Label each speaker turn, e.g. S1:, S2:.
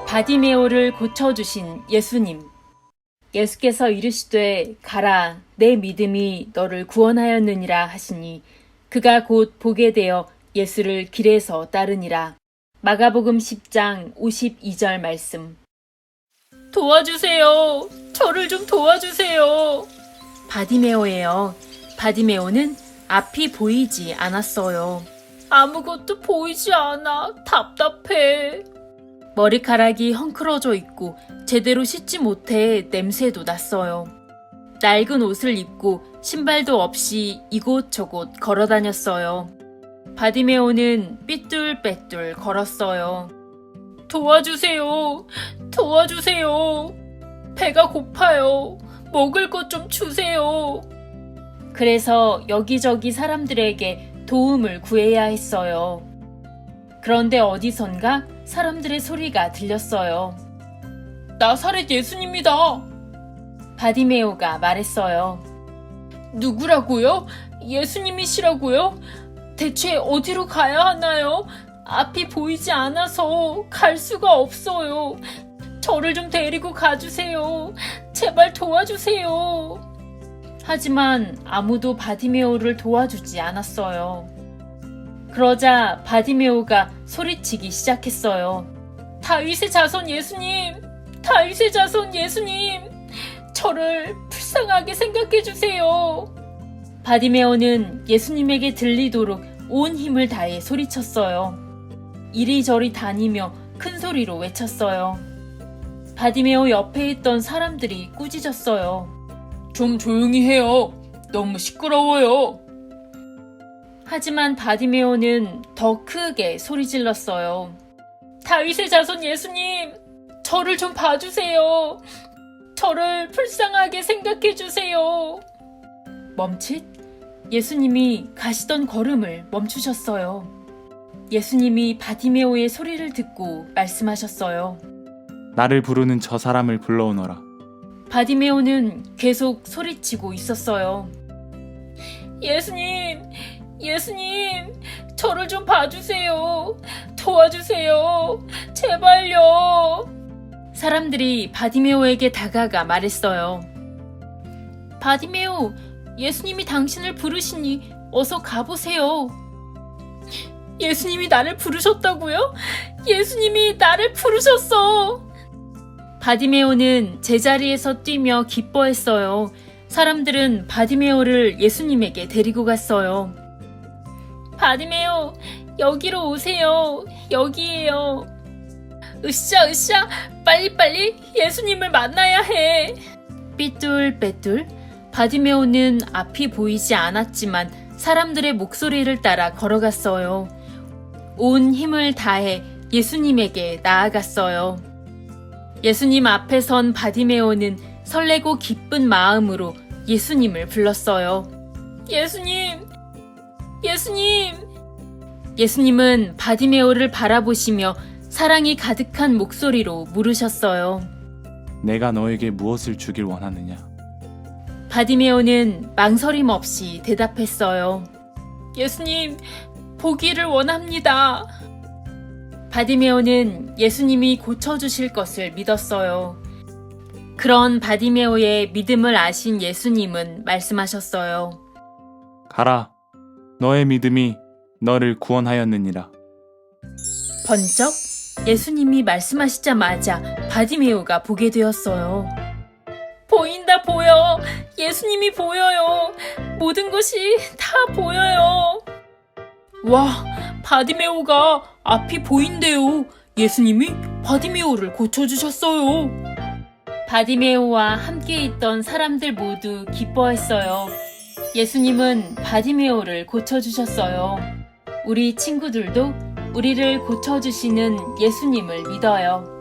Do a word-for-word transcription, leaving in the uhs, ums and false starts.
S1: 바디메오를 고쳐주신 예수님. 예수께서 이르시되 가라 내 믿음이 너를 구원하였느니라 하시니 그가 곧 보게 되어 예수를 길에서 따르니라. 마가복음 십 장 오십이 절 말씀. 도와주세요. 저를 좀 도와주세요. 바디메오예요. 바디메오는 앞이 보이지 않았어요. 아무것도 보이지 않아. 답답해. 머리카락이 헝클어져 있고 제대로 씻지 못해 냄새도 났어요. 낡은 옷을 입고 신발도 없이 이곳저곳 걸어 다녔어요. 바디메오는 삐뚤빼뚤 걸었어요. 도와주세요. 도와주세요. 배가 고파요. 먹을 것 좀 주세요. 그래서 여기저기 사람들에게 도움을 구해야 했어요. 그런데 어디선가 사람들의 소리가 들렸어요. 나사렛 예수님이다. 바디메오가 말했어요. 누구라고요? 예수님이시라고요? 대체 어디로 가야 하나요? 앞이 보이지 않아서 갈 수가 없어요. 저를 좀 데리고 가주세요. 제발 도와주세요. 하지만 아무도 바디메오를 도와주지 않았어요. 그러자 바디메오가 소리치기 시작했어요. 다윗의 자손 예수님! 다윗의 자손 예수님! 저를 불쌍하게 생각해 주세요. 바디메오는 예수님에게 들리도록 온 힘을 다해 소리쳤어요. 이리저리 다니며 큰 소리로 외쳤어요. 바디메오 옆에 있던 사람들이 꾸짖었어요. 좀 조용히 해요. 너무 시끄러워요. 하지만 바디메오는 더 크게 소리 질렀어요. 다윗의 자손 예수님, 저를 좀 봐주세요. 저를 불쌍하게 생각해 주세요. 멈칫? 예수님이 가시던 걸음을 멈추셨어요. 예수님이 바디메오의 소리를 듣고 말씀하셨어요.
S2: 나를 부르는 저 사람을 불러오너라.
S1: 바디메오는 계속 소리치고 있었어요. 예수님, 예수님, 저를 좀 봐주세요. 도와주세요. 제발요. 사람들이 바디메오에게 다가가 말했어요. 바디메오, 예수님이 당신을 부르시니 어서 가보세요. 예수님이 나를 부르셨다고요? 예수님이 나를 부르셨어. 바디메오는 제자리에서 뛰며 기뻐했어요. 사람들은 바디메오를 예수님에게 데리고 갔어요. 바디메오, 여기로 오세요. 여기에요. 으쌰 으쌰, 빨리빨리 예수님을 만나야 해. 삐뚤빼뚤. 바디메오는 앞이 보이지 않았지만 사람들의 목소리를 따라 걸어갔어요. 온 힘을 다해 예수님에게 나아갔어요. 예수님 앞에 선 바디메오는 설레고 기쁜 마음으로 예수님을 불렀어요. 예수님! 예수님! 예수님은 바디메오를 바라보시며 사랑이 가득한 목소리로 물으셨어요.
S2: 내가 너에게 무엇을 주길 원하느냐?
S1: 바디메오는 망설임 없이 대답했어요. 예수님, 보기를 원합니다. 바디메오는 예수님이 고쳐주실 것을 믿었어요. 그런 바디메오의 믿음을 아신 예수님은 말씀하셨어요.
S2: 가라, 너의 믿음이 너를 구원하였느니라.
S1: 번쩍 예수님이 말씀하시자마자 바디메오가 보게 되었어요. 보인다 보여. 예수님이 보여요. 모든 것이 다 보여요. 와, 바디메오가 앞이 보인대요. 예수님이 바디메오를 고쳐주셨어요. 바디메오와 함께 있던 사람들 모두 기뻐했어요. 예수님은 바디메오를 고쳐주셨어요. 우리 친구들도 우리를 고쳐주시는 예수님을 믿어요.